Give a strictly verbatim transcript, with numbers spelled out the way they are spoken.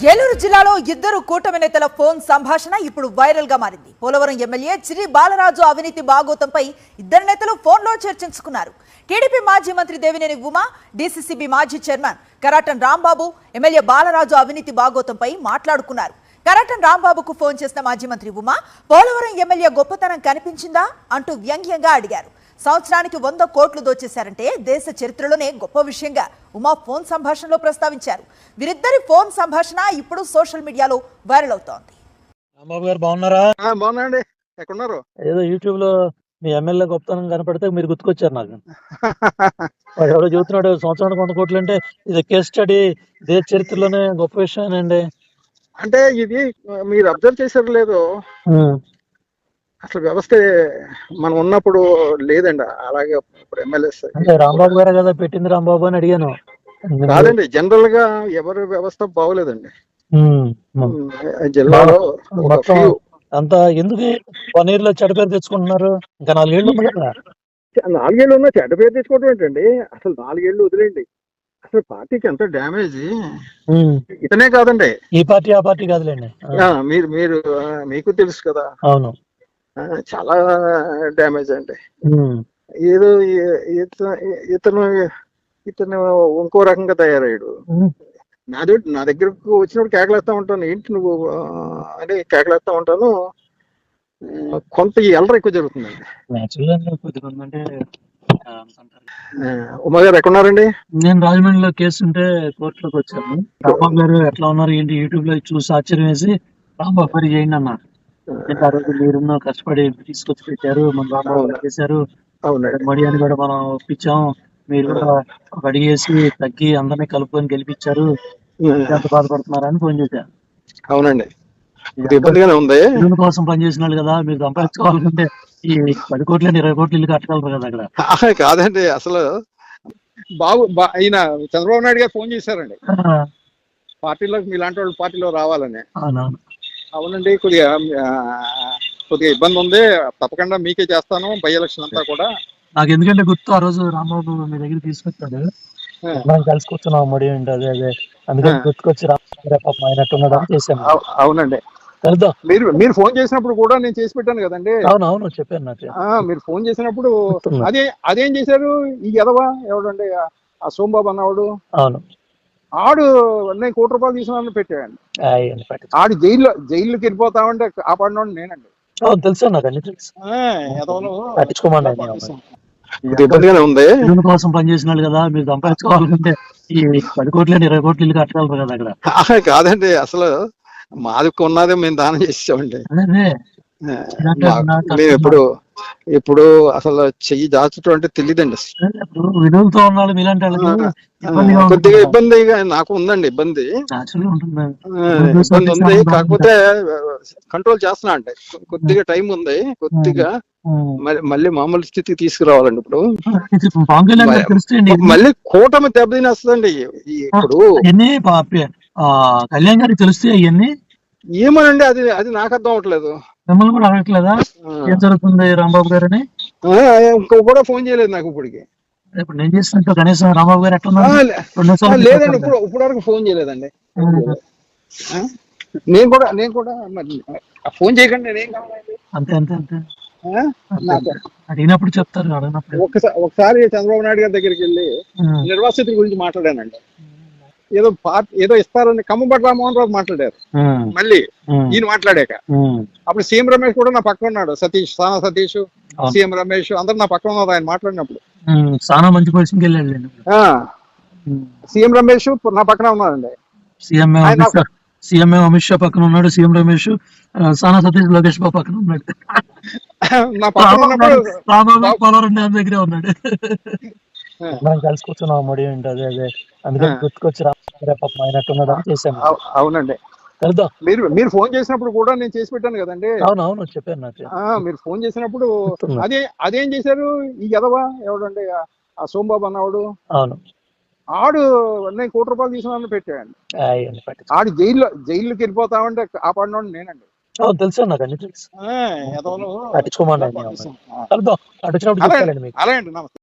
ఏలూరు జిల్లాలో ఇద్దరు కూటమి నేతల ఫోన్ సంభాషణ ఇప్పుడు వైరల్ గా మారింది. పోలవరం ఎమ్మెల్యే చిరి బాలరాజు అవినీతి బాగోతంపై ఇద్దరు నేతలు ఫోన్లో చర్చించుకున్నారు. టీడీపీ మాజీ మంత్రి దేవినేని ఉమా, డీసీసీబీ మాజీ చైర్మన్ కరాటన్ రాంబాబు ఎమ్మెల్యే బాలరాజు అవినీతి బాగోతంపై మాట్లాడుకున్నారు. కరాటన్ రాంబాబుకు ఫోన్ చేసిన మాజీ మంత్రి ఉమా, పోలవరం ఎమ్మెల్యే గొప్పతనం కనిపించిందా అంటూ వ్యంగ్యంగా అడిగారు. సంవత్సరానికి వంద కోట్లు దోచేశారంటే దేశ చరిత్రలోనే గొప్ప విషయంగా ఉమా ఫోన్ సంభాషణలో ప్రస్తావించారు. వీరిద్దరి ఫోన్ సంభాషణ ఇప్పుడు సోషల్ మీడియాలో వైరల్ అవుతోంది. రాంబాబు గారు బాగున్నారా? బాగున్నాండి. ఎక్కడున్నారు? ఏదో యూట్యూబ్ లో మీ ఎమ్మెల్యే గొప్పతనం కనపడితే మీరు గుర్తుకొచ్చారు నాకు. ఎవరో చెబుతున్నాడు సంవత్సరానికి వంద కోట్లు అంటే ఇది కేస్ స్టడీ, దేశ చరిత్రలోనే గొప్ప విషయానండి. అంటే ఇది మీరు అబ్జర్వ్ చేశారు లేదు, అసలు వ్యవస్థ మనం ఉన్నప్పుడు లేదండి. అలాగే ఇప్పుడు ఎమ్మెల్యేస్ అంటే రాంబాబు గారే కదా పెట్టింది రాంబాబు అని అడిగాను. కాదండి, జనరల్ గా ఎవరి వ్యవస్థ బాగోలేదండి జిల్లాలో. అంత ఎందుకు వన్ ఇయర్ లో చెడ్డ పేరు తెచ్చుకుంటున్నారు? ఇంకా నాలుగేళ్లు ఉంది కదా. నాలుగేళ్లు ఉన్నా చెడ్డ పేరు తెచ్చుకోవడం ఏంటండి? అసలు నాలుగేళ్లు వదిలేండి, అసలు పార్టీకి ఎంత డ్యామేజ్. ఇతనే కాదండి, ఈ పార్టీ ఆ పార్టీ కాదులేండి. మీరు మీరు మీకు తెలుసు కదా. అవును, చాలా డ్యామేజ్ అండి. ఏదో ఇతను ఇతను ఇంకో రకంగా తయారయ్యాడు. నాది నా దగ్గరకు వచ్చినప్పుడు కేకలేస్తా ఉంటాను, ఏంటి నువ్వు అని కేకలేస్తా ఉంటాను. కొంత ఎల్లర ఎక్కువ జరుగుతుందండి. ఉమా గారు ఎక్కడున్నారండి? నేను రాజమండ్రిలో కేసు ఉంటే కోర్టులోకి వచ్చాను. రాంబాబు గారు ఎట్లా ఉన్నారు ఏంటి యూట్యూబ్ లో చూసి ఆశ్చర్యం వేసి రాంబాబు గారు చేయండి అన్నారు. ఆ రోజు మీరున్న కష్టపడి తీసుకొచ్చి పెట్టారు, మన రాంబాబు చేశారు, మడి అని కూడా మనం ఒప్పించాం, మీరు కూడా ఒక అడిగేసి తగ్గి అందరినీ కలుపుకొని గెలిపించారు, ఎంత బాధపడుతున్నారని ఫోన్ చేశారు. అవునండి, ఇబ్బందిగానే ఉంది. ఇల్లు కోసం పనిచేసిన వాళ్ళు కదా, మీరు సంపాదించుకోవాలంటే ఈ పది కోట్ల ఇరవై కోట్లు ఇల్లు కట్టగలరు కదా అక్కడ. కాదండి, అసలు బాబు ఈయన చంద్రబాబు నాయుడు గారు ఫోన్ చేశారండి పార్టీలోకి, మీలాంటి వాళ్ళు పార్టీలో రావాలని. అవునండి, కొద్దిగా కొద్దిగా ఇబ్బంది ఉంది, తప్పకుండా మీకే చేస్తాను బై ఎలక్షన్ అంతా కూడా. నాకు ఎందుకంటే గుర్తు, ఆ రోజు రాంబాబు మీ దగ్గర తీసుకొచ్చాడు, మనం కలిసి కూర్చున్నాం మడి అంటే అదే అదే అందుకని గుర్తుకొచ్చి రాంబాబు అయినట్టున్నాడు అని చేశాను. అవునండి, మీరు మీరు ఫోన్ చేసినప్పుడు కూడా నేను చేసి పెట్టాను కదండి. అవును అవును చెప్పాను నాకు. మీరు ఫోన్ చేసినప్పుడు అదే అదేం చేశారు ఈ ఎదవా ఎవడండి ఆ సోంబాబు అన్నవాడు. అవును, ఆడు నేను కోటి రూపాయలు తీసుకున్నాను పెట్టాడు. ఆడు జైల్లో జైల్లోకి వెళ్ళిపోతామంటే కాపాడినోడు నేనండి. తెలుసు నాకు అన్ని తెలుసు. ఇబ్బందిగానే ఉంది. ఇల్లు కోసం పనిచేసిన వాళ్ళు కదా, మీరు సంపాదించుకోవాలంటే ఈ పది కోట్ల ఇరవై కోట్లు ఇల్లు కట్టగలరు కదా అక్కడ. కాదండి, అసలు మాది ఉన్నదే మేము దానం చేసామండి. మేము ఎప్పుడు ఇప్పుడు అసలు చెయ్యి దాచడం అంటే తెలియదండి. విడుదలతో ఉన్నాడు మీలాంటి వాళ్ళకి కొద్దిగా ఇబ్బందిగా నాకు ఉందండి. ఇబ్బంది ఇబ్బంది ఉంది, కాకపోతే కంట్రోల్ చేస్తున్నా అంటే కొద్దిగా టైం ఉంది. కొద్దిగా మళ్ళీ మామూలు స్థితికి తీసుకురావాలండి. ఇప్పుడు మళ్ళీ కూటమి దెబ్బతినేస్తుందండి. ఇప్పుడు కళ్యాణ్ గారికి తెలిస్తే అవన్నీ ఏమోనండి, అది అది నాకు అర్థం అవట్లేదు. మిమ్మల్ని కూడా అడగట్లేదా ఏం జరుగుతుంది రాంబాబు గారని? ఇంకో కూడా ఫోన్ చేయలేదు నాకు ఇప్పటికి. ఇప్పుడు నేను చేసినట్టు కనీసం రాంబాబు గారు ఎట్లా లేదండి, ఇప్పుడు ఇప్పుడు వరకు ఫోన్ చేయలేదండి. నేను కూడా నేను కూడా ఫోన్ చేయకండి, నేనేం కావాలండి. అంతే అంతే అంతే అడిగినప్పుడు చెప్తారు. అడిగినప్పుడు ఒకసారి ఒకసారి చంద్రబాబు నాయుడు గారి దగ్గరికి వెళ్ళి నిర్వాసితుల గురించి మాట్లాడానండి. ఏదో పార్టీ ఏదో ఇస్తారని కమ్మబట్టి రామ్మోహన్ రావు మాట్లాడారు. మళ్ళీ ఈయన మాట్లాడాక అప్పుడు సీఎం రమేష్ కూడా నా పక్కన ఉన్నాడు. సతీష్, సానా సతీష్, సీఎం రమేష్ అందరు నా పక్కన ఉన్నారు ఆయన మాట్లాడినప్పుడు. చాలా మంచి పొజిషన్కి వెళ్ళాడు. సీఎం రమేష్ నా పక్కన ఉన్నాడండి. సీఎం సీఎం అమిత్ షా పక్కన ఉన్నాడు, సీఎం రమేష్, సానా సతీష్, లోకేష్ బాబు పక్కన ఉన్నాడు. నా పక్కన ఉన్నప్పుడు దగ్గరే ఉన్నాడు. మనం కలిసి కూర్చున్నాం మడి అంటే అదే అదే అందుకని గుర్తుకొచ్చి రాంబాబు అయినట్టున్నాడు అని చేశాను. అవునండి, మీరు మీరు ఫోన్ చేసినప్పుడు కూడా నేను చేసి పెట్టాను కదండి. అవును అవును చెప్పాను నాకు. మీరు ఫోన్ చేసినప్పుడు అదే అదేం చేశారు ఈ ఎదవా ఎవడండి ఆ సోంబాబు అన్నవాడు. అవును, ఆడు నేను కోటి రూపాయలు తీసుకున్నాను పెట్టాడు. ఆడు జైల్లో జైల్లోకి వెళ్ళిపోతామంటే కాపాడినోడు నేనండి. తెలుసు నాకు అన్ని తెలుసు. పట్టించుకోమని అలాంటి నమస్తే.